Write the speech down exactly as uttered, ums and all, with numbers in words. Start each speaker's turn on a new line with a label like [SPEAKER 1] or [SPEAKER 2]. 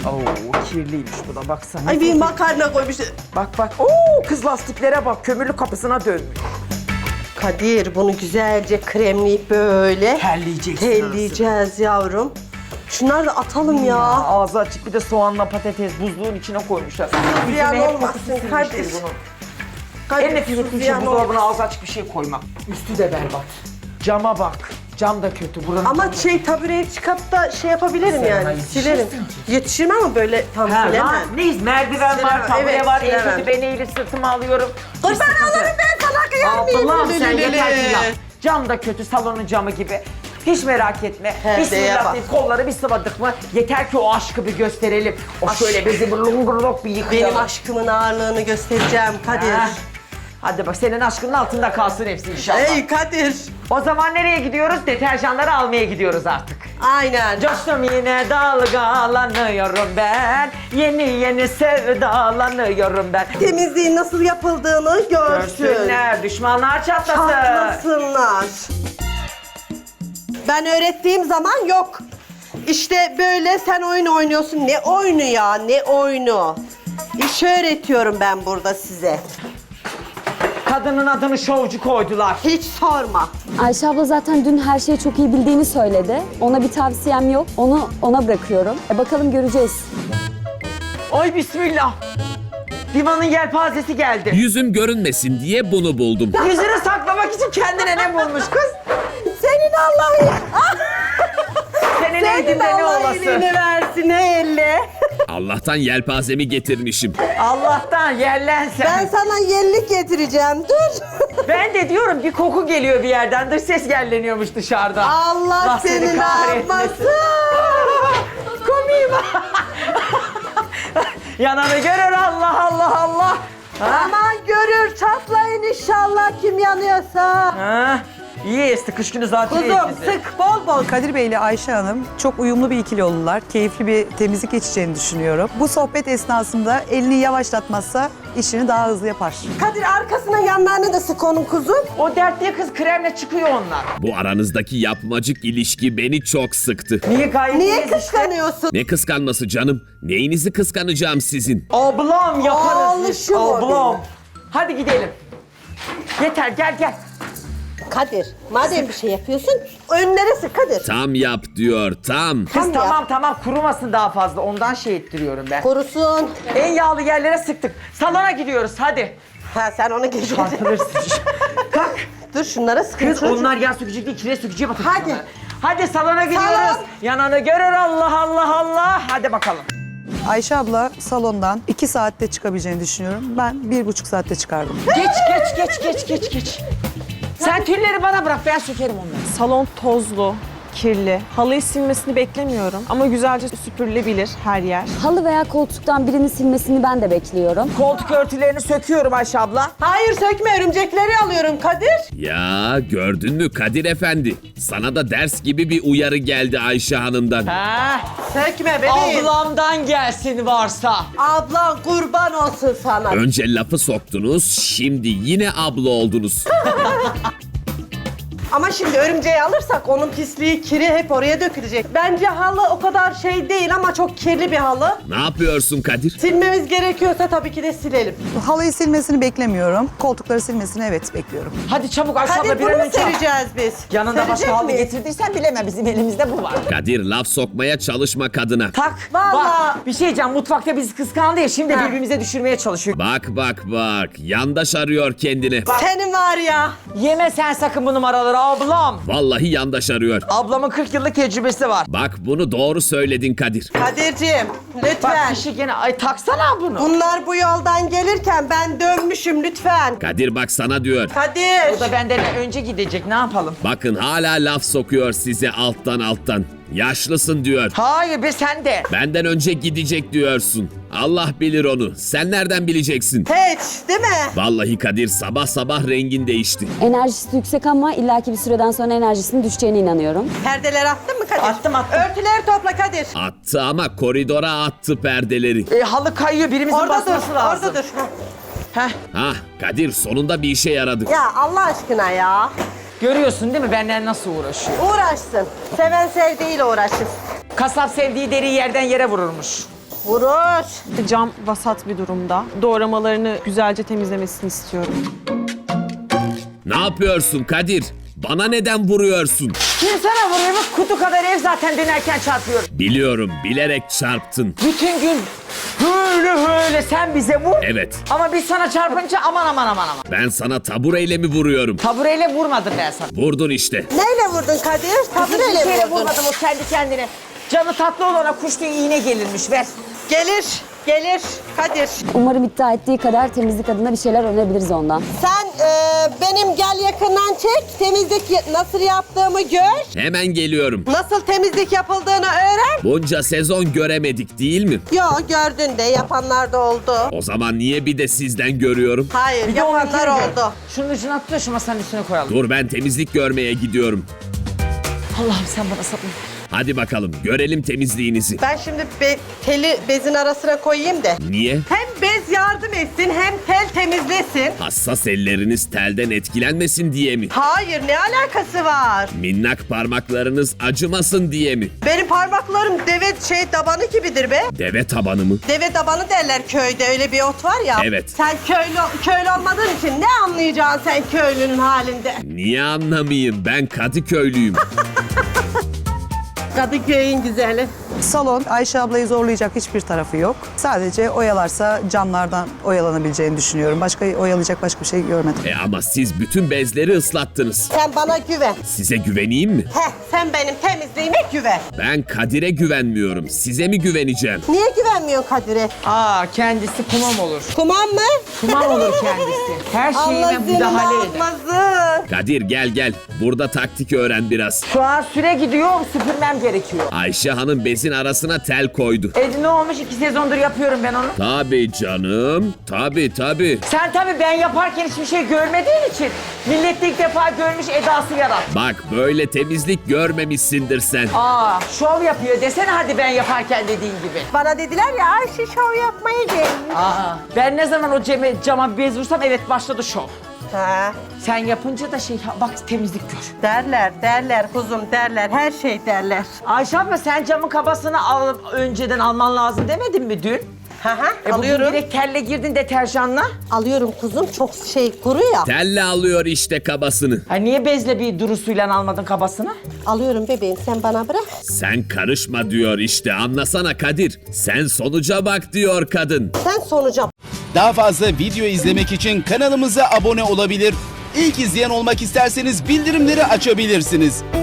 [SPEAKER 1] Oo, kirliymiş bu da baksana.
[SPEAKER 2] Ay bir makarna koymuş.
[SPEAKER 1] Bak bak. Oo, kız lastiklere bak. Kömürlü kapısına dönmüş.
[SPEAKER 2] Kadir bunu güzelce kremleyip böyle
[SPEAKER 1] Terleyeceksin.
[SPEAKER 2] telleyeceğiz yavrum. Şunları da atalım ya.
[SPEAKER 1] Aa, ağzı açık bir de soğanla patates buzluğun içine koymuşlar.
[SPEAKER 2] Ziyan
[SPEAKER 1] Yüzüme hep
[SPEAKER 2] olmasın
[SPEAKER 1] kokusu sinmiş
[SPEAKER 2] Kadir.
[SPEAKER 1] değil bunun.
[SPEAKER 2] Kadir,
[SPEAKER 1] En nefis ettiğim şey
[SPEAKER 2] ziyan
[SPEAKER 1] buzdolabına
[SPEAKER 2] olmasın.
[SPEAKER 1] ağzı açık bir şey koymak. Üstü de berbat. Cama bak. Cam da kötü. Buranın
[SPEAKER 2] Ama
[SPEAKER 1] camı-
[SPEAKER 2] şey tabureye çıkıp da şey yapabilirim
[SPEAKER 1] Sen
[SPEAKER 2] yani.
[SPEAKER 1] ona
[SPEAKER 2] Silerim.
[SPEAKER 1] yetişirsin ki.
[SPEAKER 2] Yetişirmem ama böyle tam
[SPEAKER 1] Ha,
[SPEAKER 2] silemem.
[SPEAKER 1] lan, neyiz? Merdiven
[SPEAKER 2] Silemem,
[SPEAKER 1] var, tabure
[SPEAKER 2] evet,
[SPEAKER 1] var, en
[SPEAKER 2] silemem.
[SPEAKER 1] kötü ben eğilir sırtıma alıyorum.
[SPEAKER 2] Kurban olurum ben sana kıyar mıyım?
[SPEAKER 1] Allah'ım sen
[SPEAKER 2] Lülülülü.
[SPEAKER 1] yeter ki yap. Cam da kötü, salonun camı gibi. Hiç merak etme.
[SPEAKER 2] Perdeye
[SPEAKER 1] Bismillah
[SPEAKER 2] bak.
[SPEAKER 1] deyip kolları bir sıvadık mı yeter ki o aşkı bir gösterelim. O şöyle bizi burlungurluk bir yıkayalım.
[SPEAKER 2] Benim aşkımın ağırlığını göstereceğim Kadir.
[SPEAKER 1] Ha. Hadi bak senin aşkının altında kalsın hepsi inşallah.
[SPEAKER 2] Ey Kadir.
[SPEAKER 1] O zaman nereye gidiyoruz? Deterjanları almaya gidiyoruz artık.
[SPEAKER 2] Aynen.
[SPEAKER 1] Coştum yine dalgalanıyorum ben. Yeni yeni sevdalanıyorum ben.
[SPEAKER 2] Temizliğin nasıl yapıldığını görsün.
[SPEAKER 1] Görsünler, düşmanlar çatlasın.
[SPEAKER 2] Çatlasınlar. Ben öğrettiğim zaman yok. İşte böyle sen oyun oynuyorsun. Ne oyunu ya, ne oyunu? İş öğretiyorum ben burada size.
[SPEAKER 1] Kadının adını şovcu koydular.
[SPEAKER 2] Hiç sorma.
[SPEAKER 3] Ayşe abla zaten dün her şeyi çok iyi bildiğini söyledi. Ona bir tavsiyem yok. Onu ona bırakıyorum. E bakalım göreceğiz.
[SPEAKER 1] Ay bismillah. Divanın yelpazesi geldi.
[SPEAKER 4] Yüzüm görünmesin diye bunu buldum.
[SPEAKER 1] Yüzünü saklamak için kendine ne bulmuş kız?
[SPEAKER 2] Senin Allah'ın...
[SPEAKER 1] Senin
[SPEAKER 2] Senin
[SPEAKER 1] eydinde ne
[SPEAKER 2] Allah
[SPEAKER 1] olası?
[SPEAKER 2] iyiliğini versin elle.
[SPEAKER 4] Allah'tan yelpazemi getirmişim.
[SPEAKER 1] Allah'tan yerlensen.
[SPEAKER 2] Ben sana yellik getireceğim. Dur.
[SPEAKER 1] Ben de diyorum bir koku geliyor bir yerden. Dış ses yerleniyormuş dışarıda.
[SPEAKER 2] Allah seni ne yapmasın.
[SPEAKER 1] Komiyim. Yananı görür Allah Allah Allah.
[SPEAKER 2] Aman görür çatlayın inşallah kim yanıyorsa.
[SPEAKER 1] Ha, iyi esti kış günü zaten
[SPEAKER 2] Kuzum
[SPEAKER 1] bizi.
[SPEAKER 2] sık bol bol.
[SPEAKER 5] Kadir Bey ile Ayşe Hanım çok uyumlu bir ikili oldular. Keyifli bir temizlik geçeceğini düşünüyorum. Bu sohbet esnasında elini yavaşlatmazsa işini daha hızlı yapar.
[SPEAKER 2] Kadir arkasına yanlarına da sık onun kuzum.
[SPEAKER 1] O dertli kız kremle çıkıyor onlar.
[SPEAKER 4] Bu aranızdaki yapmacık ilişki beni çok sıktı.
[SPEAKER 1] Niye gayet
[SPEAKER 2] Niye
[SPEAKER 1] iyiyiz işte?
[SPEAKER 2] kıskanıyorsun?
[SPEAKER 4] Ne kıskanması canım? Neyinizi kıskanacağım sizin?
[SPEAKER 1] Ablam yaparız biz.
[SPEAKER 2] Alışım o
[SPEAKER 1] Ablam.
[SPEAKER 2] benim.
[SPEAKER 1] Hadi gidelim. Yeter gel gel.
[SPEAKER 2] Kadir madem bir şey yapıyorsun önlere sık Kadir.
[SPEAKER 4] Tam yap diyor, tam.
[SPEAKER 1] Kız
[SPEAKER 2] Tam
[SPEAKER 1] tamam
[SPEAKER 2] yap.
[SPEAKER 1] tamam kurumasın daha fazla ondan şey ettiriyorum ben.
[SPEAKER 2] Korusun.
[SPEAKER 1] En yağlı yerlere sıktık. Salona gidiyoruz hadi.
[SPEAKER 2] Ha sen onu geçeceksin.
[SPEAKER 1] Çarpılırsın. Kalk.
[SPEAKER 2] Dur şunlara sıkın.
[SPEAKER 1] Kız
[SPEAKER 2] çocuğum.
[SPEAKER 1] onlar yağ sökecek değil kire sökeceğe bakın.
[SPEAKER 2] Hadi.
[SPEAKER 1] şunlara. Hadi salona gidiyoruz.
[SPEAKER 2] Salon.
[SPEAKER 1] Yananı görür Allah Allah Allah. Hadi bakalım.
[SPEAKER 5] Ayşe abla salondan iki saatte çıkabileceğini düşünüyorum. Ben bir buçuk saatte çıkardım.
[SPEAKER 1] Geç geç geç geç geç geç. Sen tülleri bana bırak ben sökerim onları.
[SPEAKER 6] Salon tozlu, kirli. Halıyı silmesini beklemiyorum ama güzelce süpürülebilir her yer.
[SPEAKER 3] Halı veya koltuktan birini silmesini ben de bekliyorum.
[SPEAKER 1] Koltuk örtülerini söküyorum Ayşe abla.
[SPEAKER 2] Hayır sökme örümcekleri alıyorum Kadir.
[SPEAKER 4] Ya gördün mü Kadir Efendi? Sana da ders gibi bir uyarı geldi Ayşe Hanım'dan.
[SPEAKER 1] Ha,
[SPEAKER 2] Sökme bebeğim.
[SPEAKER 1] ablamdan gelsin varsa.
[SPEAKER 2] Ablan kurban olsun sana.
[SPEAKER 4] Önce lafı soktunuz, şimdi yine abla oldunuz.
[SPEAKER 2] Ama şimdi örümceği alırsak onun pisliği, kiri hep oraya dökülecek. Bence halı o kadar şey değil ama çok kirli bir halı.
[SPEAKER 4] Ne yapıyorsun Kadir?
[SPEAKER 2] Silmemiz gerekiyorsa tabii ki de silelim.
[SPEAKER 5] Halıyı silmesini beklemiyorum. Koltukları silmesini evet bekliyorum.
[SPEAKER 1] Hadi çabuk Ayşe abla
[SPEAKER 2] Kadir
[SPEAKER 1] bir an
[SPEAKER 2] bunu
[SPEAKER 1] önce al.
[SPEAKER 2] sereceğiz biz.
[SPEAKER 1] Yanında
[SPEAKER 2] Serecek
[SPEAKER 1] başka halı
[SPEAKER 2] miyiz?
[SPEAKER 1] getirdiysen bileme bizim elimizde bu var.
[SPEAKER 4] Kadir laf sokmaya çalışma kadına.
[SPEAKER 1] Tak.
[SPEAKER 2] Vallahi.
[SPEAKER 1] Bak bir şey diyeceğim mutfakta bizi kıskandı ya şimdi
[SPEAKER 2] Ha.
[SPEAKER 1] birbirimize düşürmeye çalışıyor.
[SPEAKER 4] Bak bak bak, yandaş arıyor kendini.
[SPEAKER 2] Senin var ya.
[SPEAKER 1] Yeme sen sakın bu numaraları ablam.
[SPEAKER 4] Vallahi yandaş arıyor.
[SPEAKER 1] Ablamın kırk yıllık tecrübesi var.
[SPEAKER 4] Bak bunu doğru söyledin Kadir.
[SPEAKER 2] Kadir'ciğim
[SPEAKER 1] Bak
[SPEAKER 2] lütfen.
[SPEAKER 1] kişi gene ay taksana bunu.
[SPEAKER 2] Bunlar bu yoldan gelirken ben dönmüşüm lütfen.
[SPEAKER 4] Kadir bak sana diyor.
[SPEAKER 2] Kadir.
[SPEAKER 1] Bu da benden önce gidecek ne yapalım?
[SPEAKER 4] Bakın hala laf sokuyor size alttan alttan. Yaşlısın diyor.
[SPEAKER 1] Hayır be sen de.
[SPEAKER 4] Benden önce gidecek diyorsun. Allah bilir onu. Sen nereden bileceksin?
[SPEAKER 2] Hiç değil mi?
[SPEAKER 4] Vallahi Kadir sabah sabah rengin değişti.
[SPEAKER 3] Enerjisi yüksek ama illaki bir süreden sonra enerjisinin düşeceğine inanıyorum.
[SPEAKER 2] Perdeler attın mı Kadir?
[SPEAKER 1] Attım, attım.
[SPEAKER 2] Örtüleri topla Kadir.
[SPEAKER 4] Attı ama koridora attı perdeleri.
[SPEAKER 1] E, halı kayıyor birimizin
[SPEAKER 2] Orada dur,
[SPEAKER 1] basması lazım.
[SPEAKER 2] orada dur.
[SPEAKER 1] Heh,
[SPEAKER 4] Hah Kadir sonunda bir işe yaradı.
[SPEAKER 2] Ya Allah aşkına ya.
[SPEAKER 1] görüyorsun değil mi benden nasıl uğraşıyor?
[SPEAKER 2] Uğraşsın. Seven sevdiğiyle uğraşır.
[SPEAKER 1] Kasap sevdiği deriyi yerden yere vururmuş.
[SPEAKER 2] vurur.
[SPEAKER 6] Cam vasat bir durumda. Doğramalarını güzelce temizlemesini istiyorum.
[SPEAKER 4] Ne yapıyorsun Kadir? Bana neden vuruyorsun?
[SPEAKER 1] Kim sana vuruyor? Bak, kutu kadar ev zaten dönerken çarpıyor.
[SPEAKER 4] Biliyorum, bilerek çarptın.
[SPEAKER 1] Bütün gün böyle böyle sen bize vur.
[SPEAKER 4] Evet,
[SPEAKER 1] Ama biz sana çarpınca aman aman aman aman.
[SPEAKER 4] ben sana tabureyle mi vuruyorum?
[SPEAKER 1] Tabureyle vurmadım ben sana.
[SPEAKER 4] Vurdun işte.
[SPEAKER 2] Neyle vurdun Kadir?
[SPEAKER 1] Hiçbir
[SPEAKER 2] Tabureyle
[SPEAKER 1] şeyle
[SPEAKER 2] vurdun.
[SPEAKER 1] vurmadım, o kendi kendine. Canı tatlı olana kuş diye iğne gelirmiş, ver.
[SPEAKER 2] Gelir, gelir Kadir.
[SPEAKER 3] Umarım iddia ettiği kadar temizlik adına bir şeyler öğrenebiliriz ondan.
[SPEAKER 2] Sen e, benim gel yakından çek, temizlik y- nasıl yaptığımı gör.
[SPEAKER 4] Hemen geliyorum.
[SPEAKER 2] Nasıl temizlik yapıldığını öğren.
[SPEAKER 4] Bunca sezon göremedik değil mi?
[SPEAKER 2] Yo gördün de yapanlar da oldu.
[SPEAKER 4] O zaman niye bir de sizden görüyorum?
[SPEAKER 2] Hayır
[SPEAKER 1] Bir de
[SPEAKER 2] yapanlar
[SPEAKER 1] onunkini gör.
[SPEAKER 2] oldu.
[SPEAKER 1] Şunun ucunu at da şu masanın üstüne koyalım.
[SPEAKER 4] Dur, ben temizlik görmeye gidiyorum.
[SPEAKER 1] Allah'ım sen bana sabır.
[SPEAKER 4] Hadi bakalım, görelim temizliğinizi.
[SPEAKER 2] Ben şimdi be- teli bezin arasına koyayım da.
[SPEAKER 4] Niye?
[SPEAKER 2] Hem bez yardım etsin hem tel temizlesin.
[SPEAKER 4] Hassas elleriniz telden etkilenmesin diye mi?
[SPEAKER 2] Hayır ne alakası var?
[SPEAKER 4] Minnak parmaklarınız acımasın diye mi?
[SPEAKER 2] Benim parmaklarım deve şey tabanı gibidir be.
[SPEAKER 4] Deve tabanı mı?
[SPEAKER 2] Deve tabanı derler köyde öyle bir ot var ya.
[SPEAKER 4] Evet.
[SPEAKER 2] Sen köylü, köylü olmadığın için ne anlayacaksın sen köylünün halinde?
[SPEAKER 4] Niye anlamayayım? Ben Kadıköylüyüm.
[SPEAKER 2] Kadıköy'ün güzeli.
[SPEAKER 5] Salon Ayşe ablayı zorlayacak hiçbir tarafı yok. Sadece oyalarsa camlardan oyalanabileceğini düşünüyorum. Başka oyalayacak başka bir şey görmedim.
[SPEAKER 4] E ama siz bütün bezleri ıslattınız.
[SPEAKER 2] Sen bana güven.
[SPEAKER 4] Size güveneyim mi?
[SPEAKER 2] Heh, sen benim temizliğime güven.
[SPEAKER 4] Ben Kadir'e güvenmiyorum. Size mi güveneceğim?
[SPEAKER 2] Niye güvenmiyorsun Kadir'e?
[SPEAKER 1] Aa, kendisi kumam olur.
[SPEAKER 2] Kumam mı?
[SPEAKER 1] Kumam olur kendisi. Her şeyime
[SPEAKER 2] Allah seni
[SPEAKER 1] müdahale eder.
[SPEAKER 2] almasın.
[SPEAKER 4] Kadir gel gel. Burada taktik öğren biraz.
[SPEAKER 1] Şu an süre gidiyor, süpürmem gerekiyor.
[SPEAKER 4] Ayşe Hanım bezin arasına tel koydu.
[SPEAKER 1] E ne olmuş, iki sezondur yapıyorum ben onu.
[SPEAKER 4] Tabii canım. Tabii tabii.
[SPEAKER 1] Sen tabii ben yaparken hiçbir şey görmediğin için millet de ilk defa görmüş edası yarat.
[SPEAKER 4] Bak böyle temizlik görmemişsindir sen.
[SPEAKER 1] Aa, şov yapıyor desene hadi ben yaparken dediğin gibi.
[SPEAKER 2] Bana dediler ya Ayşe şov yapmaya gelmiş.
[SPEAKER 1] Aa, ben ne zaman o ceme, cama bir bez vursam evet başladı şov.
[SPEAKER 2] Ha,
[SPEAKER 1] Sen yapınca da şey bak temizlik gör.
[SPEAKER 2] derler, derler kuzum derler, her şey derler.
[SPEAKER 1] Ayşe abla sen camın kabasını al, önceden alman lazım demedin mi dün?
[SPEAKER 2] Ha ha,
[SPEAKER 1] E
[SPEAKER 2] alıyorum.
[SPEAKER 1] bugün direkt telle girdin deterjanla.
[SPEAKER 2] Alıyorum kuzum, çok şey kuru ya.
[SPEAKER 4] Telle alıyor işte kabasını.
[SPEAKER 1] Ha niye bezle bir durusuyla almadın kabasını?
[SPEAKER 2] Alıyorum bebeğim, sen bana bırak.
[SPEAKER 4] Sen karışma diyor işte, anlasana Kadir. Sen sonuca bak diyor kadın.
[SPEAKER 2] Sen sonuca
[SPEAKER 7] Daha fazla video izlemek için kanalımıza abone olabilir. İlk izleyen olmak isterseniz bildirimleri açabilirsiniz.